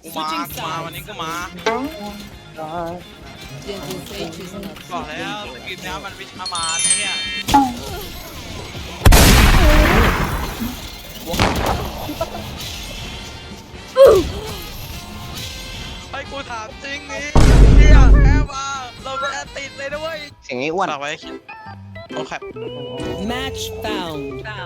มาวันนี้ก็มาบอกแล้วกินแล้วมันวิชามานเนี่ยให้กูถามจริงนี่เนี่ยแพ้มาเราแพ้ติดเลยนะเว้ยเสียงไอ้อ้วนฝากไว้โอเค Match found.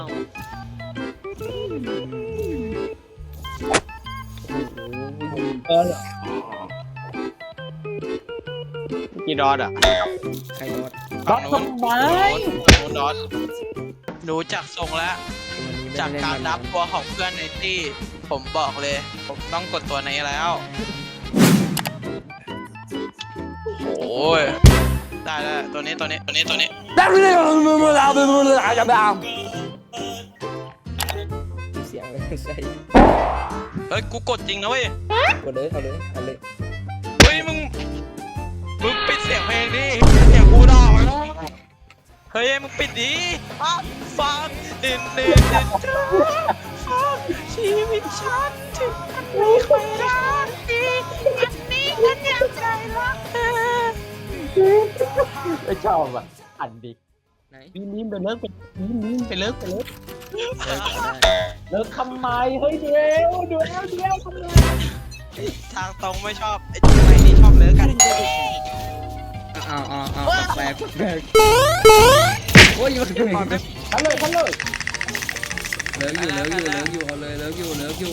กี่ดอทอ่ะใครรอดฝั่งนู้นดอทดูจากทรงแล้วจากการนับตัวของเพื่อนในที่ผมบอกเลยผมต้องกดตัวนี้แล้วโอ้ยได้ตัวนี้เสียงเลยใช่เฮ้ยกูกดจริงนะเว้ยกดเลยเอาเลยเอาเลยเฮ้ยมึงปิดเสียงเพลงดิเสียงกูดอกเฮ้ยมึงปิดดิฟังดินฟังชีวิตฉันถึงไม่ค่อยรักดีอันนี้ฉันยังใจรักเธอไม่ชอบอ่ะอันดิไหนนี่ไปเลิกไปเลิกเลิกก็ได้เลิกทำไมเฮ้ยเดี๋ยวทำไมทางตรงไม่ชอบไอ้ไอ้นี่ชอบเลิกกันเอาแปลกโอ้ยมันเทันเลยลิกอยู่เอาเลยเลิกอยู่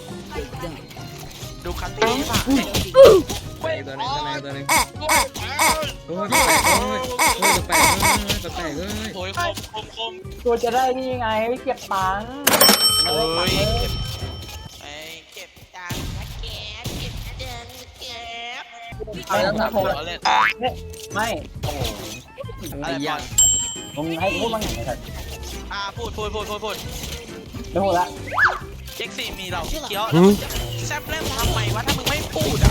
ดูคัตตี้ป่ะไปตัวนึงโอ้ยแปลกเฮ้ยโอ้ยคมตัวจะได้นี่ไงไม่เก็บตังค์โอ้ยไอ้เก็บตังค์นะแกเก็บเดินเก็บไม่ต้องนะผมเล่นไม่โอ้อะไรยากมึงให้พูดบ้างไงครับพูดไม่พูดละเจ็กซี่มีเราเคี้ยวแซมเล่นทำไมวะถ้ามึงไม่พูดอ่ะ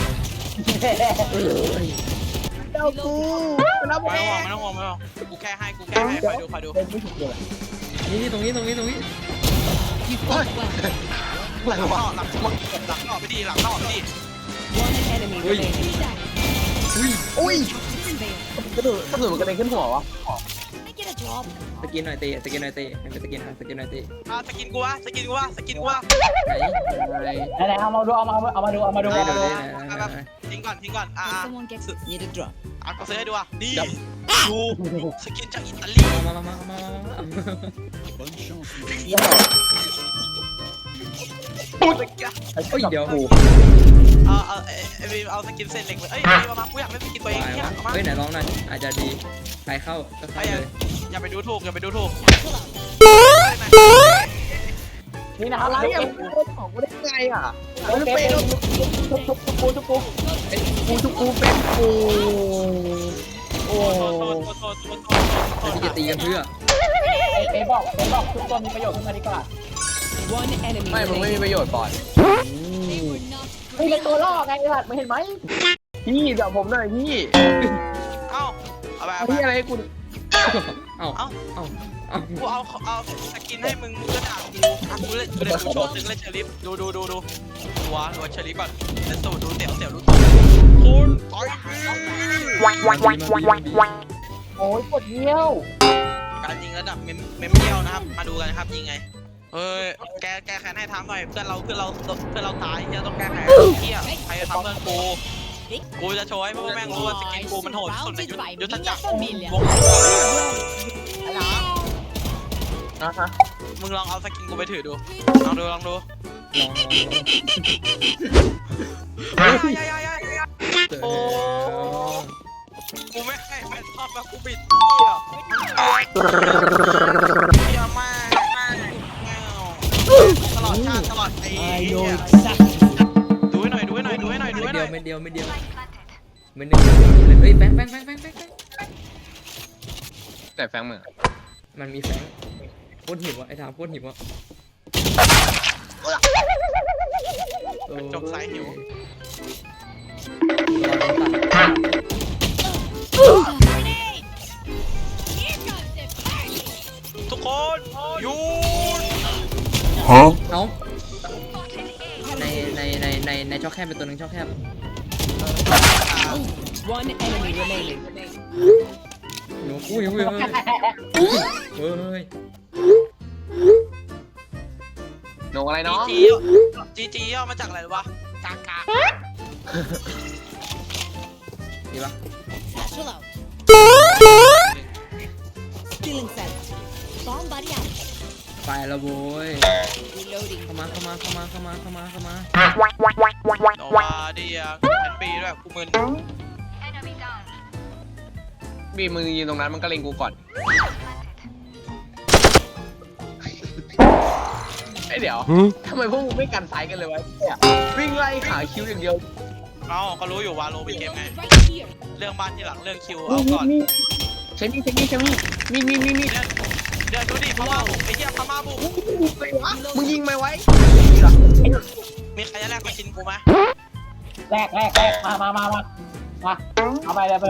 เจ้ากูนะผมไม่ต้องห่วงกูแค่ให้คอยดูเป็นผู้ถูกเลยนี่ตรงนี้ You fought well. หลังว่าหลังนอกไปดี One enemy remaining. อุ้ยกระโดดมันกระเด็นขึ้นหัววะ I get a job. สกินหน่อยเตะให้เป็นสกินหน่อยเตะสกินกูวะไหนไหนเอามาดูทิ้งก่อน If someone gets need a drop. ก็ซื้อให้ดูนี่ดูสกินจากอิตาลีมา โอ้ยเดี๋ยวโหเอาสกินเส้นเหล็กเลยมากูอยากเล่นสกินตัวเองเนี่ยเฮ้ยไหนร้องหน่อยอาจจะดีใครเข้าก็เข้าเลยอย่าไปดูถูกนี่นะครับอะไรอ่ะของกูได้ไงอ่ะเป็นทุกกูเป็นกูโอ้ที่จะตีกันเพื่อเอบอกทุกคนมีประโยชน์ขึ้นมาดีกว่า One enemy ไม่มึงไม่มี remaining. ประโยชน์ก่อน They were not นี่เป็นตัวล่อไงหลัดไม่เห็นไหมพี่เดี๋ยวผมหน่อยพี่เอาไปพี่อะไรกูเอ้ากูเอาสกินให้มึงก็ด่ากูเล่นกูโชว์ตึงเล่นเชอริฟดูว้าเชอริฟก่อนเล่นสูดูเสี่ยวดูคุณต่อยโอ้ยปวดเยี่ยวการยิงระดับเมมเดียวนะครับมาดูกันนะครับยิงไงเฮ้ยแกแค้นให้ทำหน่อยเพื่อนเราตายที่ต้องแก้แค้นเที่ยใครจะทำเพื่อนกูจะโชว์ให้พวกแม่งรู้ว่าสกินกูมันโหดสุดในยุทธจักรวงอะไรนะฮะมึงลองเอาสกินกูไปถือดูลองดูโอ้กูไม่ให้แฟนชอบแล้วกูปิดเหี้ยมากตลอดชาติตลอดไอ้ดูให้หน่อยไม่เดียวไม่หนึ่งเฮ้ยแฟงแต่แฟงเหมือนมันมีแฟงโคตรหิวอ่ะไอ้ทามโคตรหิวอ่ะจบสายหิวทุกคนหยุดเอ้าในในช่องแคบเป็นตัวหนึ่งช่องแคบ One enemy remaining. หนูอุ้ยเฮ้ยโหนอะไรเนาะจีย่อมาจากอะไรรู้ปะกากาดีปะ Satchel out. Stealing set. Bomb buddy out. ไปแล้วโว้ย Reloading. เข้ามาโนวาเดียแอนปีด้วยกูมึนบีมึงยืนตรงนั้นมันก็เล็งกูก่อนไอ้เดี๋ยวทำไมพวกมึงไม่กันไซส์กันเลยวะเนี่ยวิ่งไล่ขาคิวอย่างเดียวเอ้าเขารู้อยู่วาโลเป็นเกมไง Right here. เรื่องบ้านที่หลังเรื่องคิวเอาก่อนใช้มีเดี๋ยวดูดิพม่าบุกไอ้เหี้ยพม่าบุกมึงยิงไหมไว้มีใครจะแลกมาชินกูไหมแรกมาเอาไปเลย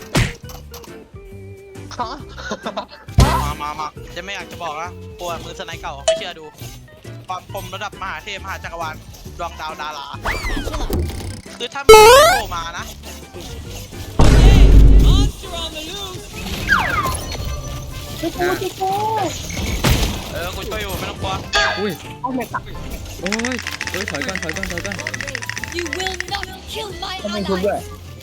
มาจะไม่อยากจะบอกนะกลัวมือสไนเก่าไม่เชื่อดูความคมระดับมหาเทพมหาจักรวาลดวงดาวดารา Satchel out. คือถ้ามีโผล่มานะ Monster on the loose. กูช่วยอยู่ไม่ต้องกลัวอุ้ยเอาไม่ตักโอ้ยถอยก่อน You will not kill my ต้องเป็นคุณ ally. ด้วย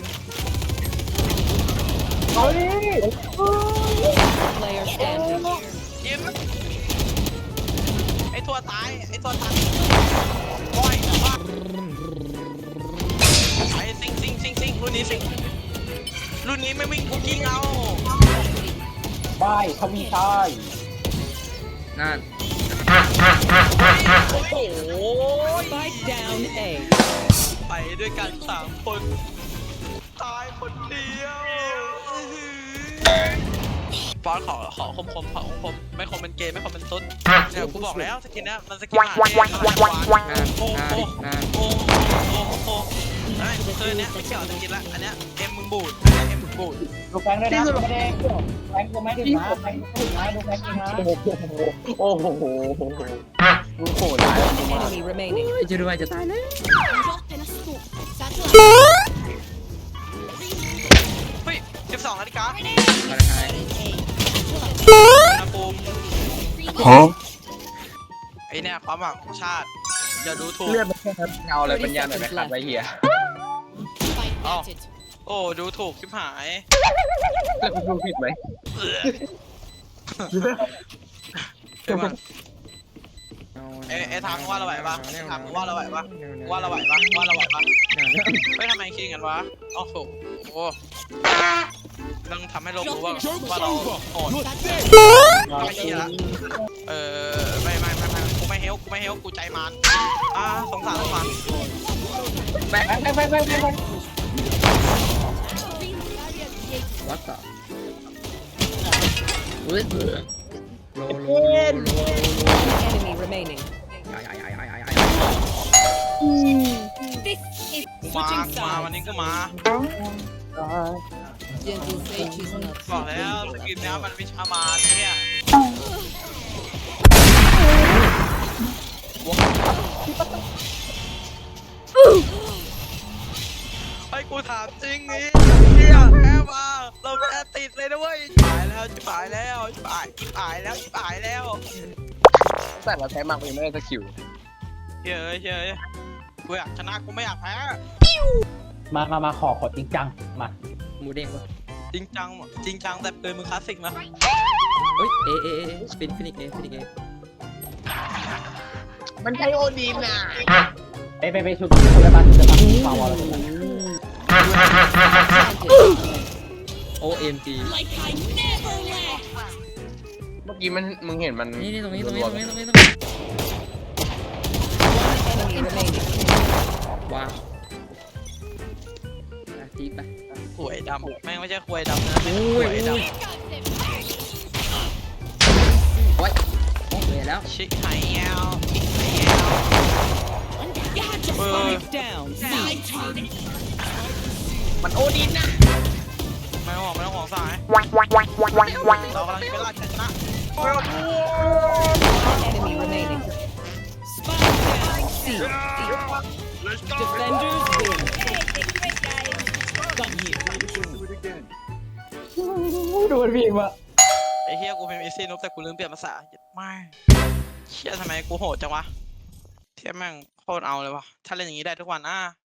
เอาดิ Player standing. ยิ้มไอ้ตัวตายบ่อยว่าไอ้ซิงรุ่นนี้ไม่วิ่งกูยิงเอาบายทวีชายนั่นโอ้โห Spike down A. ไปด้วยกัน3 คนตายคนเดียวฟอนขอคมไม่คมเป็นเกมไม่คมเป็นตุ๊ดเดี๋ยวกูบอกแล้วสกินเนี้ยมันสกินหาเองโอ้คือเนี้ยไม่เกี่ยวสกินละอันเนี้ยเอ็มมึงบูดดูแฟงด้วยนะไม่ได้แฟงกูไม่ถึงนะแฟงกูถึงนะดูแฟงจริงนะโอ้โหมึงโหดร้ายมาก Enemy remaining. ไอ้เจดูไว้จะตายแล้ว Drop in a scoop. Satchel out. เฮ้ย12 นาฬิกามาแล้วไงอุณหภูมิไอเนี่ยความหวังของชาติอย่าดูถูกเลือดมันแค่นั้นเงาอะไรปัญญาหน่อยไหมครับไอ้เหี้ย Spike planted. โอ้ดูถูกชิบหายแล้วกูพูดผิดไหมเดี๋ยวมันไอทางว่าเราไหวปะทางว่าเราไหวปะไม่ทำไมคิดกันวะโอ้โหต้องทำให้โลกรู้ว่าเราโหดไม่คิดละไม่กูไม่เฮลกูใจมันสงสารมันแฟงวัดต่ออุ้ยโล Enemy remaining. This is มา switching วัน sides. นี้ก็มา Gentle say she's not บอกแล้วสกินนี้มันวิชามานเนี่ยไอ้กูถามจริงนี่เนี่ยแพ้มาเราแพ้ติดเลยนะเว้ยชิบหายแล้วแต่เราใช้มากยังไม่ได้สกิลเฮ้ยกูอยากชนะกูไม่อยากแพ้มาขอจริงจังมาหมูเด้งวะจริงจังแต่ปืนมึงคลาสสิกนะเฮ้ยฟินิกเอมันใช้โอดีนน่ะไปชุดจะมาฟาวอะไรกัน planted. OMG Like I never left. เมื่อกี้มึงเห็นมันนี่ตรงนี้ One enemy remaining. ว้าวตีไปขวยดำแม่งไม่ใช่ขวยดำนะขวยดโอ้ยเลยแล้วำชิคไฮแอล Spike down. C. มันโอดีนน่ะไม่ต้องห่วงสายเรากำลังจะไปล่าชนะ Enemy remaining. Spike down. C. let's go Defenders win. Got you. ดูมันพิมพ์อะไอ้เฮียกูเป็นอีซี่นุ๊บแต่กูลืมเปลี่ยนภาษาไม่เชี่ยทำไมกูโหดจังวะเทียบแม่งโคตรเอาเลยวะถ้าเล่นอย่างนี้ได้ทุกวัน